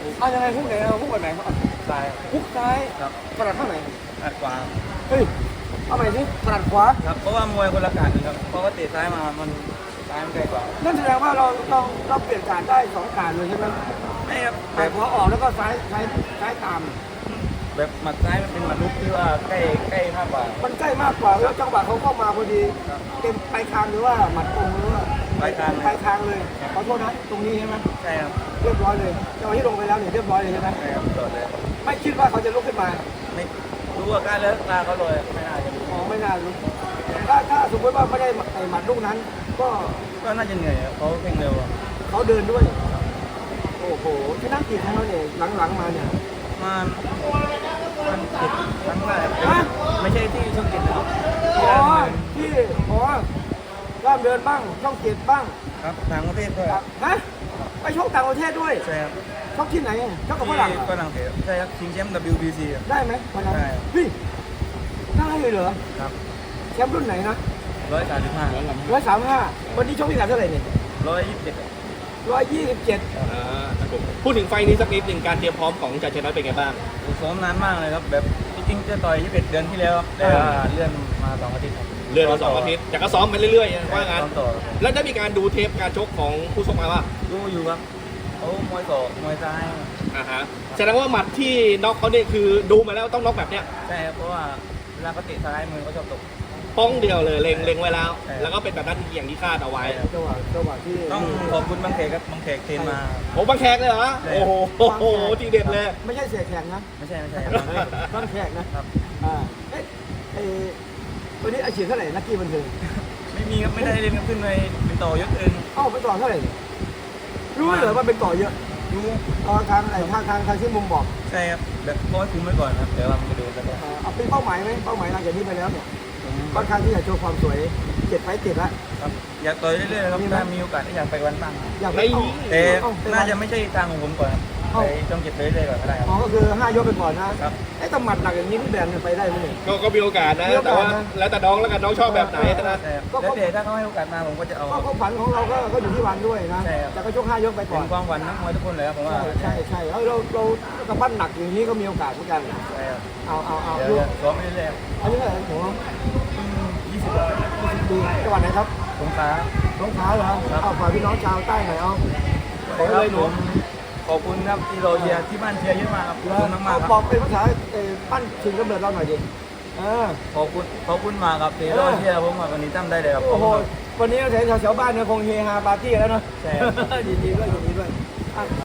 เอายังไงฮุกไหนฮุกแบบไหนซ้ายฮุกซ้ายครับถนัดข้างไหนถนัดขวาเฮ้ยเอาใหม่สิถนัดขวาครับเพราะว่ามวยคนละการครับเพราะว่าเตะซ้ายมามันซ้ายมันไกลกว่านั่นแสดงว่าเราเปลี่ยนการได้2การเลยใช่ไหมไม่ครับแต่พอออกแล้วก็ซ้ายตามแบบหมัดซ้ายมันเป็นหมัดลุกที่ว่าใกล้มากกว่ามันใกล้มากกว่าแล้วจังหวะเขาเข้ามาพอดีเต็มปลายคางหรือว่าหมัดตรงหรือว่าปลายคางเลยขอโทษนะตรงนี้ใช่ไหมใช่ครับเรียบร้อยเลยจังหวะที่ลงไปแล้วเนี่ยเรียบร้อยเลยใช่ไหมใช่ครับจบเลยไม่คิดว่าเขาจะลุกขึ้นมาไม่รู้ว่าการเลิกตาเขาเลยไม่น่าจะไม่น่าลุกถ้าสมมติว่าไม่ได้หมัดลูกนั้นก็น่าจะเหนื่อยเขาเพ่งเร็วเขาเดินด้วยโอ้โหที่นั่งกี่ครั้งแล้วเนี่ยหลังมาเนี่ยมันติดครั้งแรกไม่ใช่ที่ช่องเจ็ดนะครับที่ร่ามเดินบ้างช่องเจ็ดบ้างครับต่างประเทศด้วยฮะไปชกต่างประเทศด้วยใช่ครับชกที่ไหนชกกับฝรั่งเถอะใช่ครับชิงแชมป์ WBC ได้ไหมวันนั้นพี่ได้เลยเหรอครับแชมป์รุ่นไหนนะ135วันนี้ชกที่ไหนเท่าไหร่เนี่ย127 พูดถึงไฟนี้สักนิดหนึ่งการเตรียมพร้อมของจ่าชนะเป็นไงบ้างซ้อมนานมากเลยครับแบบจริงๆจะต่อย21เดือนที่แล้วแต่เลื่อนมา2 อาทิตย์เลื่อนมา2 อาทิตย์แต่ก็ซ้อมไปเรื่อยๆว่างั้นแล้วได้มีการดูเทปการชกของผู้ชกมาว่าดูอยู่ครับเขามวยศอกมวยซ้ายแสดงว่าหมัดที่น็อกเขาเนี่ยคือดูมาแล้วต้องน็อกแบบเนี้ยใช่ครับเพราะว่าเวลาเขาเตะซ้ายมือเขาชอบตกป้องเดียวเลยเล็งไว้แล้วแล้วก็เป็นแบบนั้นอย่างที่คาดเอาไว้จังหวะที่ต้องขอบคุณบางแขกครับบางแขกเทรนมาโอ้บางแขกเลยเหรอโอ้โหทีเด็ดเลยไม่ใช่เสียแขกนะไม่ใช่บางแขกนะครับวันนี้อาชีพเท่าไหร่นักกี้บันเทิงไม่มีครับไม่ได้เรียนขึ้นไปเป็นต่อยศอื่นเป็นต่อเท่าไหร่รู้เหรอว่าเป็นต่อเยอะรู้ทางที่มุมบอกใช่ครับแบบร้อยคุมไว้ก่อนครับเดี๋ยวเราไปดูแล้วก็เอาเป็นเป้าหมายไหมเป้าหมายหลังจากนี้ไปแล้วเนี่ยค่อนข้างที่จะโชว์ความสวย7 ไฟต์ติดแล้วครับอยากต่อยเรื่อยๆครับถ้ามีโอกาสอยากไปวันบ้างอยากไปแต่น่าจะไม่ใช่ทางของผมก่อนไปต้องเก็บเรื่อยๆก่อนก็ได้ครับก็คือ5 ยกไปก่อนนะครับไอ้ตำหมัดหนักอย่างนี้พี่แบนไปได้ไหมเนี่ยก็มีโอกาสนะแต่ว่าแล้วแต่น้องแล้วกันน้องชอบแบบไหนนะแล้วแต่ถ้าเขาให้โอกาสมาผมก็จะเอาก็ฝันของเราก็อยู่ที่วันด้วยนะแต่ก็ชก5 ยกไปก่อนเป็นความฝันนักมวยทุกคนเลยครับผมว่าใช่เรากระปั้นหนักอย่างนี้ก็มีโอกาสเหมือนกันใช่ครับเอาดูซ้อมไม่ได้อันนี้เท่าไหร่ผม20 ปีจังหวัดไหนครับสงขลาเหรอเอาฝากพี่น้องชาวใต้หน่อยเอาเลยหนูขอบคุณครับที่เราเชียร์ที่บ้านเชียร์เยอะมากครับขอบคุณมากครับบอกเป็นภาษาปั้นชิงกำเนิดเราหน่อยดิขอบคุณมากครับที่เราเชียร์ผมวันนี้ตั้มได้เลยครับโอ้โหวันนี้แถวบ้านเนี่ยคงเฮฮาปาร์ตี้แล้วเนาะใช่ยินดีด้วย